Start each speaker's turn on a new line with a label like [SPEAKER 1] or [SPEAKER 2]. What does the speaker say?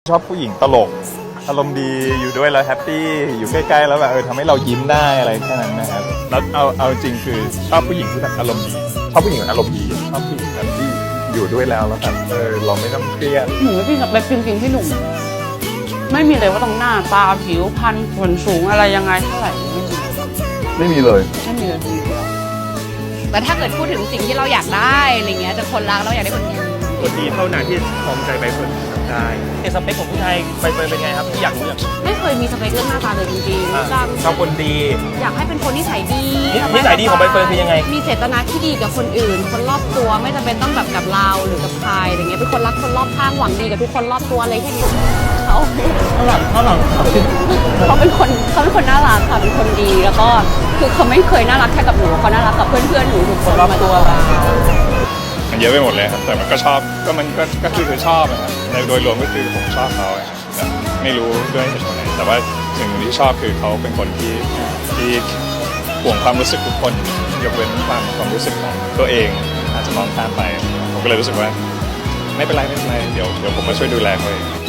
[SPEAKER 1] ชอบผู้หญิงตลกอารมณ์ดีอยู่ด้วยแล้วแฮปปี้อยู่ใกล้ๆแล้วแบบทำให้เรายิ้มได้อะไรแค่นั้นนะครับแล้วเอาจริงคือชอบผู้หญิงที่แบบอารมณ์ดีชอบผู้หญิงอารมณ์ดีชอบผู้หญิงแบบที่อยู่ด้วยแล้วแบบเราไม่ต้องเครียด
[SPEAKER 2] หนูไม่พี่กับแบบจริงๆพี่หนุ่มไม่มีเลยว่าต้องหน้าตาผิวพรรณส่วนสูงอะไรยังไงเท่าไหร่
[SPEAKER 1] ไม่มีเลย
[SPEAKER 2] ไม่มีเลยจริงๆ
[SPEAKER 3] แต่ถ้าเกิดพูดถึงสิ่งที่เราอยากได้อะไรเงี้ยจะคนรักเราอยากได้คนดี
[SPEAKER 4] คนดีเท่านั้นที่พร้อมใจใบเฟิร์นได้สเปคของผู้ชายใบเฟิร์นเป็นไงครับที่อยากรู้อย่าง
[SPEAKER 2] ไม่เคยมีสเปคเรื่องหน้าตาเลยจริงๆ
[SPEAKER 4] ชอบคนดี
[SPEAKER 2] อยากให้เป็นคนนิสัยดี
[SPEAKER 4] นิสัยดีของใบเฟิร์นคือยังไง
[SPEAKER 2] มีเจตนาที่ดีกับคนอื่นคนรอบตัวไม่จำเป็นต้องแบบกับเราหรือกับใครอะไรเงี้ยเป็นคนรักคนรอบข้างหวังดีกับทุกคนรอบตัวอะไรแค่นี้เขา
[SPEAKER 4] ข้างหลัง
[SPEAKER 2] เขาเป็นคนน่ารักค่ะเป็นคนดีแล้วก็คือเขาไม่เคยน่ารักแค่กับหนูเขาน่ารักกับเพื่อนๆหนูทุกคนรอบตัว
[SPEAKER 1] มันเยอะไปหมดเลยครับแต่มันก็ชอบก็คือชอบนะครับในโดยรวมก็คือผมชอบเขาครับไม่รู้ด้วยเหตุผลไหนแต่ว่าสิ่งที่ชอบคือเขาเป็นคนที่ห่วงความรู้สึกทุกคนยกเว้นความรู้สึกของตัวเองอาจจะมองข้ามไปผมก็เลยรู้สึกว่าไม่เป็นไรเดี๋ยวผมมาช่วยดูแลเขาเอง